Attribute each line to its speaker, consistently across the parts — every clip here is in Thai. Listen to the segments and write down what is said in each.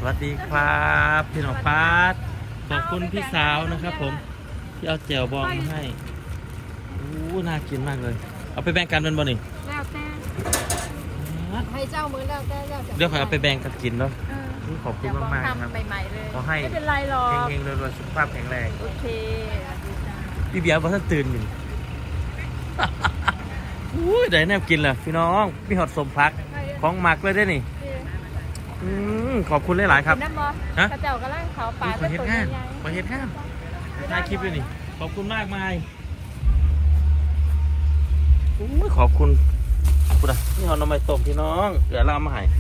Speaker 1: วัสดีครับพี่น้องฟ้าขอบคุณพี่สาวนะครับผมที่เอาแจ่วบองมาให้น่ากินมากเลยเอาไปแบ่งกันเป็นบ่นี่
Speaker 2: แล้วแต่ให้เจ้ามือแล้วแต่
Speaker 1: เดี๋ยวขอเอาไปแบ่งกันกินเนาะขอบคุณมาก
Speaker 2: ๆครับใหม่ๆเลย
Speaker 1: ขอให้
Speaker 2: ไม่เป็นไรหรอก
Speaker 1: เฮงๆรวยๆสุขภาพแข็งแรง
Speaker 2: โอเค
Speaker 1: พี่เบียร์บอกท่านตื่นอยู่ได้แนวกินเหรอพี่น้องพี่หอดสมพักของหมักเลยได้นี่ขอบคุณหลายๆครับ
Speaker 2: น้ำบอลกระเจ้ากระลังเขาป่า
Speaker 1: เป็นตัวใหญ่มาเห็ดงานถ่ายคลิปเลยนี่ขอบคุณมากมายขอบคุณคุณอ่ะนี่เอาน้ำมันต้มพี่น้องเดี๋ยวเรามาให้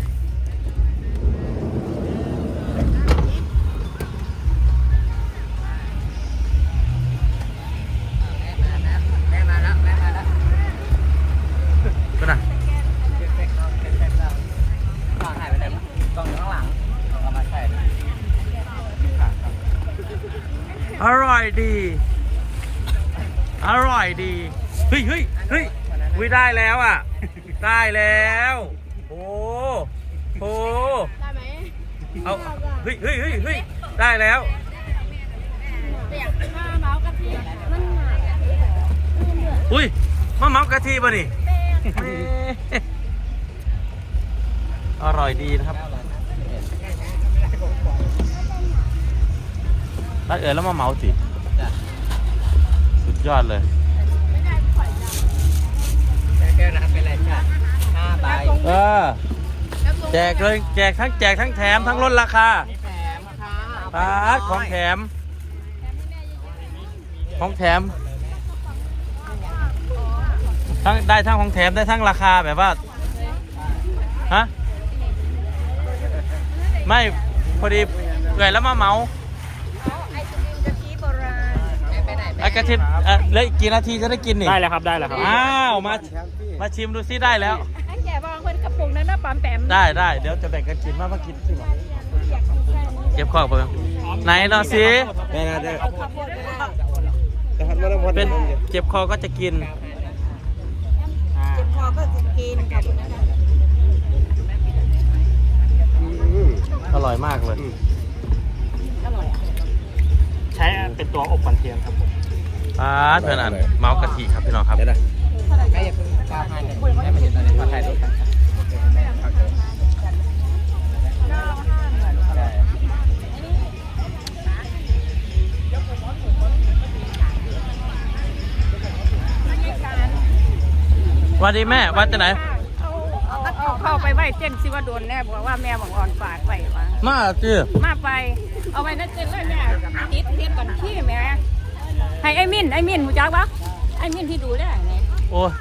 Speaker 1: ก็ได้อร่อยดีอร่อยดีเฮ้ยวิได้แล้วอ่ะได้แล้วโอ้
Speaker 2: ได้ไหม
Speaker 1: เอาเฮ้ยได้แล้ว
Speaker 2: มาเมากะทิมัน
Speaker 1: อุ้ยมะเมากะทิป่ะนี่อร่อยดีนะครับรัดแล้วมาเมาสิสุดยอดเลย
Speaker 3: แก้วน้ำเป็นไรจ้ะ5 ใบ
Speaker 1: แจกเลยแจกทั้งแถมทั้งลดราคา
Speaker 3: แถมค่ะ
Speaker 1: ปาดของแถมทั้งได้ทั้งของแถมได้ทั้งราคาแบบว่าฮะไม่พอดีเอื่อยแล้วมาเมาไอ้กะทิเลยกี่นาทีจะได้กินนี่
Speaker 3: ได้แล้วครับ
Speaker 1: อ้าวมาชิมดูซิได้แล้ว
Speaker 2: ไอ้แก่บางคนกระปุกนั้นน่ะปั๊มแปม
Speaker 1: ได้เดี๋ยวจะแบ่งกันกินมากินสิเก็บข้าวไปไหนนอนสิเป็นเจ็บคอก็จะกิน
Speaker 2: พอก็จะกินขอบคุณนะคะ
Speaker 1: อร่อยมากเลย
Speaker 3: ใช้เป็นตัวอบกันเทียมครับผม
Speaker 1: เพื่อนเมากะทิครับพี่น้องครับ
Speaker 3: ไม่อย่าเพิ่งก้าวพลาดเลยให้มันเห็นตอนนี้มาถ่ายรูปกัน
Speaker 1: วันดีแม่วันจะไหน
Speaker 2: เอาเข้าไปไหว้เจ้นซิว่าโดนแน่บอกว่าแม่บอกอ่อนฝากไว้ว่า
Speaker 1: มาจื้อ
Speaker 2: มาไปเอาไว้นั่นเจ้นเลยแม่ติดเทียนก่อนขี้แม่ให้ไอ้มินหูจักปะไอ้มินที่ดูได้ไง
Speaker 1: โอ้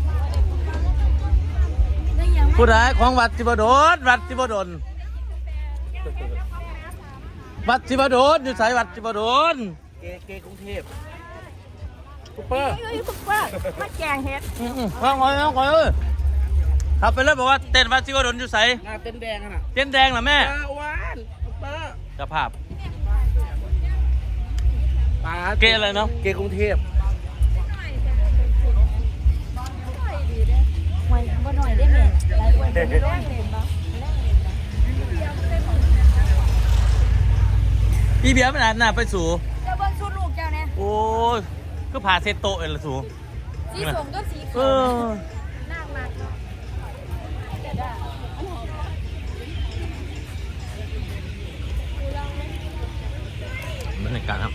Speaker 1: ผู้ใดของวัดจิบดลวัดจิบดลอยู่สายวัดจิบดล
Speaker 3: เกกรุงเทพ
Speaker 2: ซุปเปอร์มาแกงเฮ็ด
Speaker 1: ฟังหน่อยขับไปเลยบอกว่าเต้นวัดจิบดลอยู่สาย
Speaker 3: หน้าเต้นแดงน่ะ
Speaker 1: เต้นแดงเหรอแม่
Speaker 3: หวานซุปเปอร์
Speaker 1: จะภาพเกอะไรเนาะ
Speaker 3: เกกรุงเทพ
Speaker 2: บ่หน่อยได้ไหมหลายคนเป็นแรงเล่นบ่
Speaker 1: พี่เบียร์ไม่นานไปสู่
Speaker 2: เจ้าเบิ้งชุดลูกเจ้าเนี่ย
Speaker 1: โอ้ก็ผ่าเซตโตเลยละสู่
Speaker 2: สีส้มก็สีขาวน่ามากเนาะ
Speaker 1: บรรยากาศครับ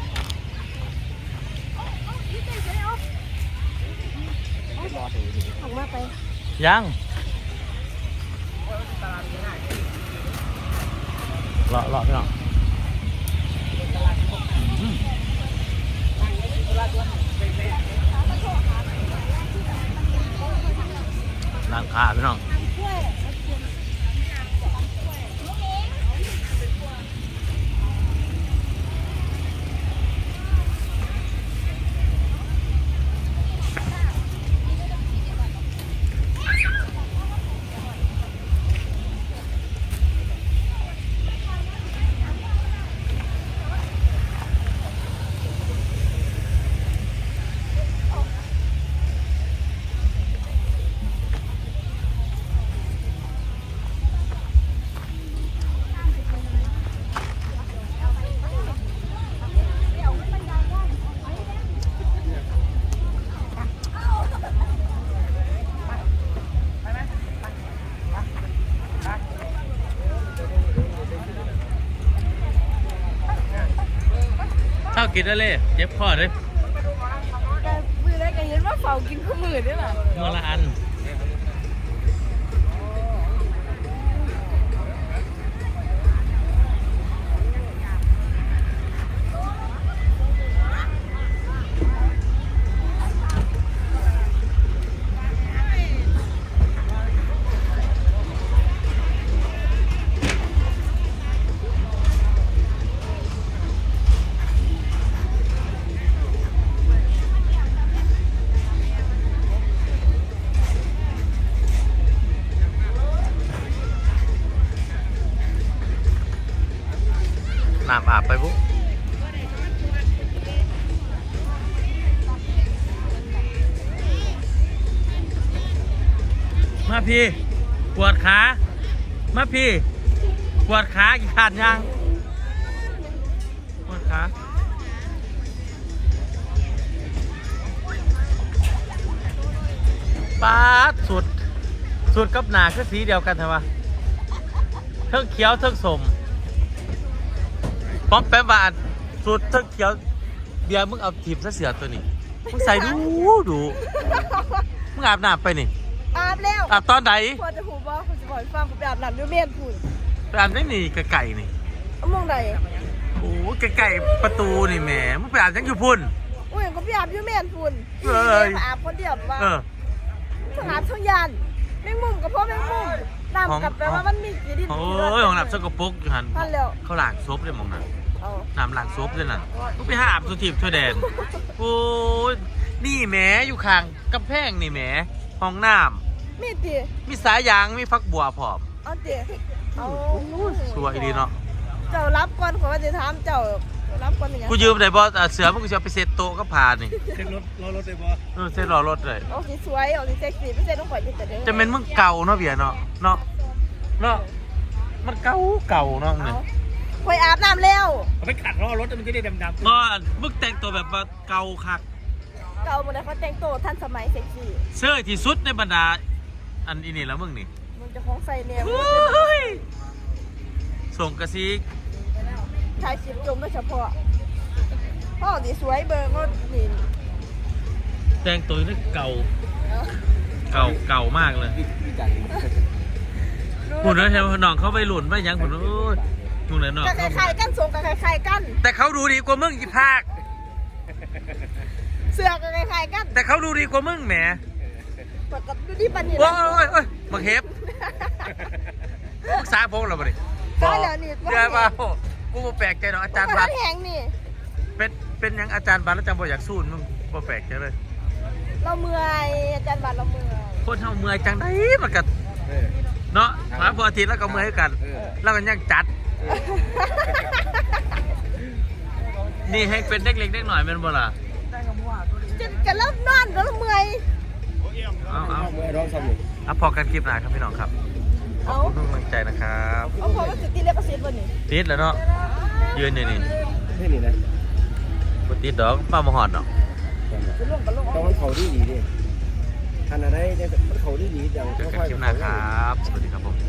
Speaker 2: ออกมาไป
Speaker 1: ยังรอพี่น้องร้านค้าพี่น้องข้าวกินได้เลยเจ็บคอเลย
Speaker 2: มือได้กันเห็นว่าเฝ้ากินข้าวมือด้วยล่ะ
Speaker 1: มือละอันน้ำอาบไปปุ๊มาพี่ปวดขามาพี่ปวดขากี่ขาดยังปวดขาป๊าดสุดกับหนาคือสีเดียวกันใช่ปะเทิงเขียวเทิงสมป้อมแป๊บบานสุดเทิงเขียวเบียร์มึงเอาทีบซะเสือตัวนี้มึงใส่ดูมึงอาบน้ำไปนี่
Speaker 2: อาบแล้ว
Speaker 1: อาบตอนไหน
Speaker 2: พอจะหูบ่คุณจะบอกฟังผมไปอาบน้ำด้วยเมียนคุณ
Speaker 1: ไปอาบได้นี่ไก่นี่
Speaker 2: มองใด
Speaker 1: โอ้ไก่ประตูนี่แหมมึงไปอาบยังอยู่พุ่น
Speaker 2: อุ้ยก็ไปอาบด้วยเมียนคุณ
Speaker 1: เอ้ย
Speaker 2: มาอาบคนเดียวว่า
Speaker 1: เออ
Speaker 2: ทั้งอาบทั้งยานแมงมุมกับพ่อแมงมุมน้ำกับแปลว่ามันมีกี่ดิน
Speaker 1: โอ้ยของหลับสกปรกอยู่หัน
Speaker 2: พันแล้ว
Speaker 1: เขาล้างซบเลยมองน่ะ
Speaker 2: เอา
Speaker 1: น้ำล้างซบเลยน่ะมึงไปหาอาบสุทีบทั่วแดนโอ้ยนี่แหมอยู่ข้างกำแพงนี่แหมห้องน้
Speaker 2: มีตี
Speaker 1: ำมีสายยางมีฟักบัวพร้อม
Speaker 2: เอาตีเอา
Speaker 1: สวยดีเนาะ
Speaker 2: เจ้ารับก่อนขอว่าจะถามเจ้ารับก่อนอย่าง
Speaker 1: กูยืมได้บ่เสือมึงกูจะเอาไปเซ็ตโต๊ะก็พานี่
Speaker 3: เช็ครถรถได้บ่
Speaker 1: เซ็ตรอรถเลย
Speaker 2: เอาสีสวยเอาสีเซ็กซี่ไม่ใช่ต้องปล่อยแต่เด้อ
Speaker 1: จะเป็นมึงเก่าเนาะเบียร์เนาะมันเก่าเนาะเนี่ย
Speaker 2: คอยอาบน้ำแล้ว
Speaker 3: เอาไปขัดล้อรถมันจะได้ดำ
Speaker 1: ก็มึงแต่งตัวแบบว่าเก่าคัก
Speaker 2: เก่าหมดเลยเขาแต่งตัวทันสมัยเซ็กซี่
Speaker 1: เสื้อที่สุดในบรรดาอันอีนี่แล้วมึงนี่
Speaker 2: มันจะคล้องใส่แนว
Speaker 1: ส่งกระซิก
Speaker 2: ชายชิบจมโดยเฉพาะพ่อสีสวยเบอร์ก็นี่
Speaker 1: แต่งตัวนี่เก่ามากเลยหุ่นแล้วใช่ไหมน้องเขาไปหลุนไปยังหุ่นโอ้ยหุ่นเลยน้อง
Speaker 2: กันคล้ายๆกันทรงกันคล้ายๆกัน
Speaker 1: แต่เขาดูดีกว่ามึงอีภาค
Speaker 2: เสื้อกันคล้ายๆกัน
Speaker 1: แต่เขาดูดีกว่ามึงแหม
Speaker 2: ปกติดูที่ปันนี่
Speaker 1: โอ้ยบังเฮฟมึงสาพงเราบ่ดิ
Speaker 2: ได้แล้วนี่
Speaker 1: เดี๋ยวมากูบ่แปลกใจหรอกอาจารย์บั
Speaker 2: บั
Speaker 1: ต
Speaker 2: ต
Speaker 1: ร
Speaker 2: แหงนี่
Speaker 1: เป็นยังอาจารย์บัตรแล้วจำบ่อยากสู้มึงบ่แปลกใจเลย
Speaker 2: เราเมื่อยอาจารย์บัตรเราเมื่อย
Speaker 1: คนเฮาเมื่อยจังไดมันก็เนาะมาพออาทิตย์แล้วก็เมื่อยกัน แล้วก็ยังจัด นี่ให้เป็นเด็กเล็กเด็กหน่อยเป็นบ่ล่ะ
Speaker 2: จะกันแล้วนอนแล้วเมื่อย
Speaker 1: เอา
Speaker 3: เมื่อร้องสมุก
Speaker 1: พอกันคลิปหน้าครับพี่น้องครับขอบคุณทุกกำลังใจนะครับ
Speaker 2: เอาพอมาจุดตีเล็กกระเซ็นบนนี่
Speaker 1: ติดแล้วเนาะยืนอยู่นี่
Speaker 3: นี่นะ
Speaker 1: บ่ติดดอกป้ามาหอดดอก
Speaker 2: จะล่วงกันล่วง
Speaker 3: ต้องมันเขาดีดิอันอะไรเนี่ยมันเขาดีดัง
Speaker 1: เจอกันคลิปหน้าครับ สวัสดีครับผม